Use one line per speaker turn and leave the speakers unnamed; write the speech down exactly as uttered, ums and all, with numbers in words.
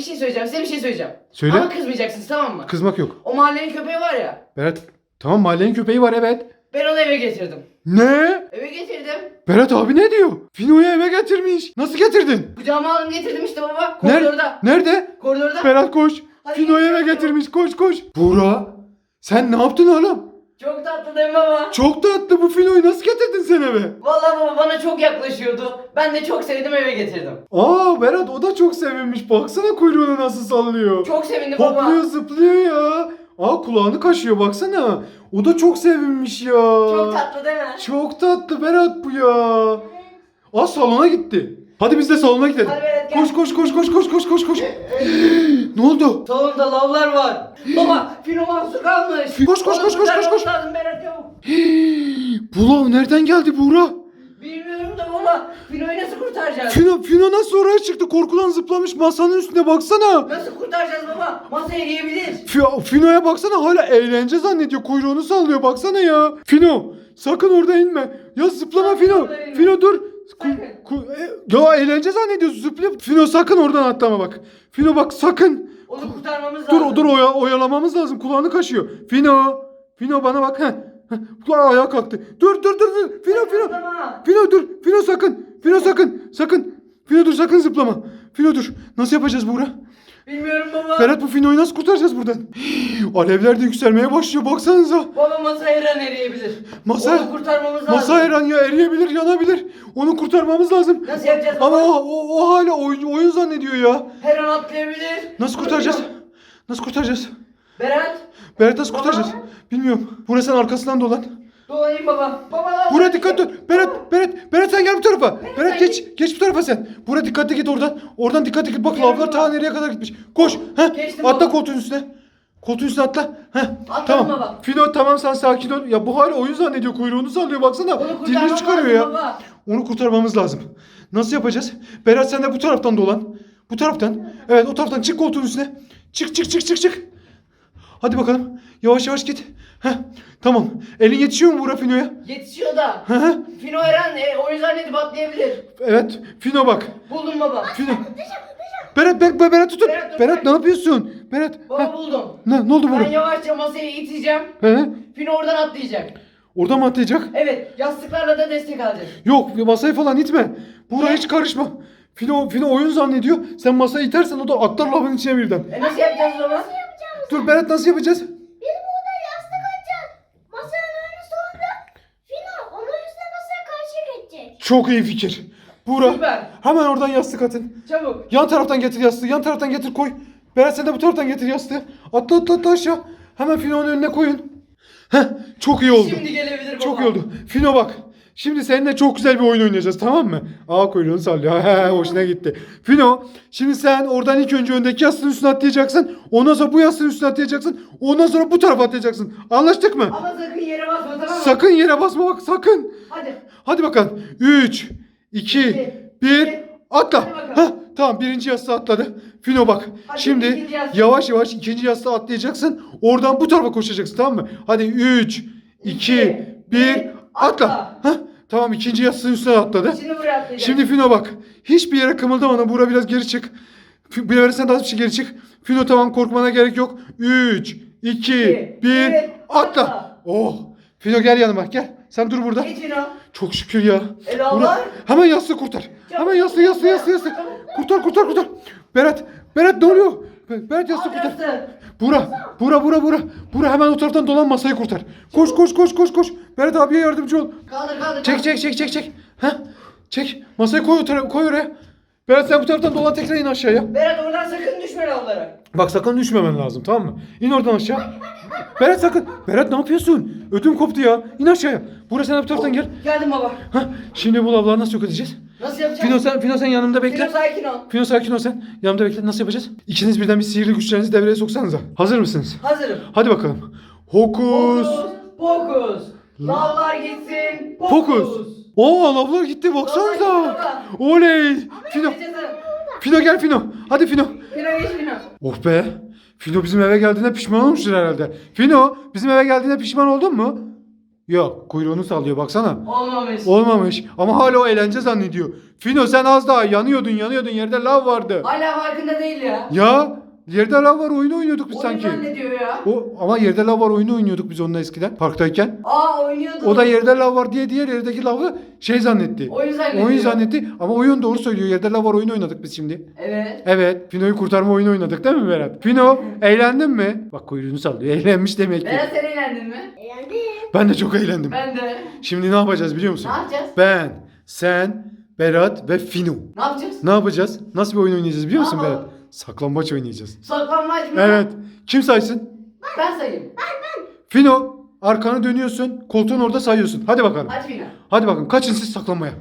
şey söyleyeceğim. Size bir şey söyleyeceğim.
Söyle.
Ama kızmayacaksınız, tamam mı?
Kızmak yok.
O mahallenin köpeği var ya.
Berat tamam mahallenin köpeği var evet.
Ben onu eve getirdim.
Ne?
Eve getirdim.
Berat abi ne diyor? Fino'yu eve getirmiş. Nasıl getirdin?
Kucağıma aldım getirdim işte baba.
Nerede?
Koridorda.
Nerede?
Koridorda.
Berat koş.
Hadi
Fino'yu eve
gidelim.
getirmiş. Koş koş. Buğra sen ne yaptın oğlum?
Çok tatlı değil mi baba?
Çok tatlı bu Fino'yu nasıl getirdin sen eve?
Vallahi baba bana çok yaklaşıyordu. Ben de çok sevdim, eve getirdim.
Aa Berat o da çok sevinmiş. Baksana kuyruğunu nasıl sallıyor.
Çok sevindim baba.
Hopluyor zıplıyor ya. Aa kulağını kaşıyor baksana. O da çok sevinmiş ya.
Çok tatlı değil mi?
Çok tatlı Berat bu ya. Aa salona gitti. Hadi biz de salona gidelim.
Hadi Berat, gel.
Koş koş koş koş koş koş koş koş. Ne oldu?
Salonda lavlar var. Baba Fino mahsur kalmış.
Koş, koş,
Onu
koş, koş, koş, koş.
kurtarmamız lazım Berat, çabuk.
Bu lav nereden geldi Buğra?
Bilmiyorum da baba. Fino'yu nasıl kurtaracağız?
Fino, Fino nasıl oraya çıktı? Korkudan zıplamış masanın üstüne baksana.
Nasıl kurtaracağız baba? Masaya yiyebilir.
Fi- Fino'ya baksana hala eğlence zannediyor. Kuyruğunu sallıyor baksana ya. Fino sakın orada inme. Ya zıplama
Sakın
Fino.
orada inme.
Fino dur. Ku-
Sakın.
ku- e, ya eğlence zannediyor zıplıyor. Fino sakın oradan atlama bak. Fino bak sakın.
Onu kurtarmamız
Dur
lazım.
dur oya, oyalamamız lazım. Kulağını kaşıyor. Fino. Fino bana bak. Heh. Heh. Kulağı ayağa kalktı. Dur dur dur dur. Fino Fino.
Zıplama.
Fino dur. Fino sakın. Fino sakın. Sakın. Fino dur sakın zıplama. Fino dur. Nasıl yapacağız Buğra?
Bilmiyorum baba.
Berat bu Fino'yu nasıl kurtaracağız buradan? Alevler de yükselmeye başlıyor baksanıza.
Baba masa her an eriyebilir.
Masa-
Onu kurtarmamız lazım.
Masa her an ya eriyebilir yanabilir. Onu kurtarmamız lazım.
Nasıl yapacağız
Ama
baba?
o, o, o hala oyun, oyun zannediyor ya.
Her an atlayabilir.
Nasıl kurtaracağız? Nasıl kurtaracağız?
Berat.
Berat nasıl
Baba.
kurtaracağız? Bilmiyorum. Burası sen arkasından dolan.
Dolayayım baba. Baba.
Buraya dikkat et. Berat, Berat, Berat sen gel bu tarafa. Berat
sen
geç, geç bu tarafa sen. Buraya dikkatli git oradan. Oradan dikkatli git. Bak
Gel
lavlar
baba.
ta nereye kadar gitmiş. Koş. Heh.
Geçtim
Atla
baba.
koltuğun üstüne. Koltuğun üstüne atla. Heh.
Atladım
Tamam.
baba.
Fino tamam sen sakin ol. Ya bu hala oyun zannediyor. Kuyruğunu sallıyor baksana.
Onu
Dilini
kurtarmamız
çıkarıyor
lazım
ya.
baba.
Onu kurtarmamız lazım. Nasıl yapacağız? Berat sen de bu taraftan dolan. Bu taraftan. Evet o taraftan çık koltuğun üstüne. Çık çık çık çık çık. Hadi bakalım. Yavaş yavaş git. Heh. Tamam. Elin yetişiyor mu Buğra Fino'ya?
Yetişiyor da.
Hı hı.
Fino her an e, oyun zannedip atlayabilir.
Evet. Fino bak.
Buldum baba.
Fino. Berat Berat Berat tutun.
Berat, dur,
Berat
bak.
ne yapıyorsun? Berat.
Baba
Heh.
buldum.
Ne, ne oldu
Ben
Buğra?
yavaşça masayı iteceğim.
He?
Fino oradan atlayacak.
Orada mı atlayacak?
Evet, yastıklarla da destek alacak.
Yok masayı falan itme. Buğra
Niye?
hiç karışma. Fino, Fino oyun zannediyor. Sen masayı itersen o da atlar lavın içine birden.
E nasıl yapacağız baba?
Dur Berat nasıl yapacağız?
Biz burada yastık açacağız. Masanın önü sonra Fino onun üstüne masaya karşı geçecek.
Çok iyi fikir. Buğra
Süper.
hemen oradan yastık atın.
Çabuk.
Yan taraftan getir yastığı. Yan taraftan getir koy. Berat sen de bu taraftan getir yastığı. Atla atla atla aşağı. Hemen Fino'nun önüne koyun. Heh çok iyi oldu.
Şimdi gelebilir baba.
Çok iyi oldu. Fino bak. Şimdi seninle çok güzel bir oyun oynayacağız tamam mı? Aa kuyruğunu sallıyor. He hoşuna gitti. Fino şimdi sen oradan ilk önce öndeki yastığın üstüne atlayacaksın. Ondan sonra bu yastığın üstüne atlayacaksın. Ondan sonra bu tarafa atlayacaksın. Anlaştık mı?
Ama sakın yere basma, tamam mı?
Sakın yere basma bak sakın.
Hadi.
Hadi bakalım. üç, iki, bir, atla.
Hadi bakalım.
Heh, tamam birinci yastığı atladı. Fino bak.
Hadi
Şimdi
ikinci yastığı.
yavaş yavaş ikinci yastığı atlayacaksın. Oradan bu tarafa koşacaksın tamam mı? Hadi üç, iki, bir, atla.
atla.
Heh, tamam ikinci yastığın üstüne atladı.
Şimdi buraya atlayacak.
Şimdi Fino bak. Hiçbir yere kımıldama. Buğra biraz geri çık. F- Bir sen daha bir şey geri çık. Fino tamam korkmana gerek yok. üç, iki,
İki,
bir,
bir,
atla.
atla.
Oh. Fino gel yanıma gel. Sen dur burada.
Geç Fino.
Çok şükür ya.
Ela
Buğra,
var.
hemen yastığı kurtar. Hemen yastığı yastığı yastığı yastığı. Kurtar kurtar kurtar. Berat. Berat ne oluyor? Be- Berat yastığı kurtar.
Atlasın.
Buğra. Buğra Buğra Buğra. Buğra hemen o taraftan dolan masayı kurtar. Koş koş koş koş koş. Berat abiye yardımcı ol.
Kaldır kaldır.
Çek
kaldır.
çek çek çek çek. Heh. Çek. Masayı koy, o tara- koy oraya. Berat sen bu taraftan dolan tekrar in aşağıya.
Berat oradan sakın düşme lavlara.
Bak sakın düşmemen lazım tamam mı? İn oradan aşağı. Berat sakın. Berat ne yapıyorsun? Ödüm koptu ya. İn aşağıya. Buraya sen de bu taraftan gel.
Geldim baba.
Heh. Şimdi bu lavları nasıl yok edeceğiz?
Nasıl yapacağız?
Fino sen, Fino sen yanımda bekle.
Fino sakin ol.
Fino sakin ol sen. Yanımda bekle. Nasıl yapacağız? İkiniz birden bir sihirli güçlerinizi devreye soksanıza. Hazır mısınız?
Hazırım.
Hadi bakalım. Hokus.
Pokus. Pokus. Lavlar gitsin.
Pokus. Oo lavlar gitti baksanıza.
Lavlar gitti
Oley. Fino.
Yaşasın.
Fino gel Fino. Hadi Fino.
Fino geç Fino.
Oh be. Fino bizim eve geldiğinde pişman olmuştur herhalde. Fino bizim eve geldiğinde pişman oldun mu? Yok, kuyruğunu sallıyor baksana.
Olmamış.
Olmamış ama hala o eğlence zannediyor. Fino sen az daha yanıyordun yanıyordun, yerde lav vardı.
Hala farkında değil ya.
Ya yerde lav var, oyunu oynuyorduk biz
Oyun
sanki.
zannediyor ya.
O, ama yerde lav var oyunu oynuyorduk biz onunla eskiden parktayken.
Aa oynuyordu.
O da yerde lav var diye diğer yerdeki lavı şey zannetti.
Oyun zannediyor.
Oyun zannetti ama oyun doğru söylüyor. Yerde lav var oyunu oynadık biz şimdi.
Evet.
Evet. Fino'yu kurtarma oyunu oynadık değil mi Berat? Fino eğlendin mi? Bak kuyruğunu sallıyor. Eğlenmiş demek ki.
Berat sen eğlendin mi?
Eğlendim.
Ben de çok eğlendim.
Ben de.
Şimdi ne yapacağız biliyor musun?
Ne yapacağız?
Ben, sen, Berat ve Fino.
Ne yapacağız?
Ne yapacağız? Nasıl bir oyun oynayacağız biliyor musun
Ne
Berat?
yapalım?
Saklambaç oynayacağız.
Saklanmaç mı?
Evet. Kim saysın?
Ben sayayım.
Fino arkanı dönüyorsun. Koltuğun orada sayıyorsun. Hadi bakalım.
Hadi Fina.
Hadi bakalım. Kaçın siz saklanmaya.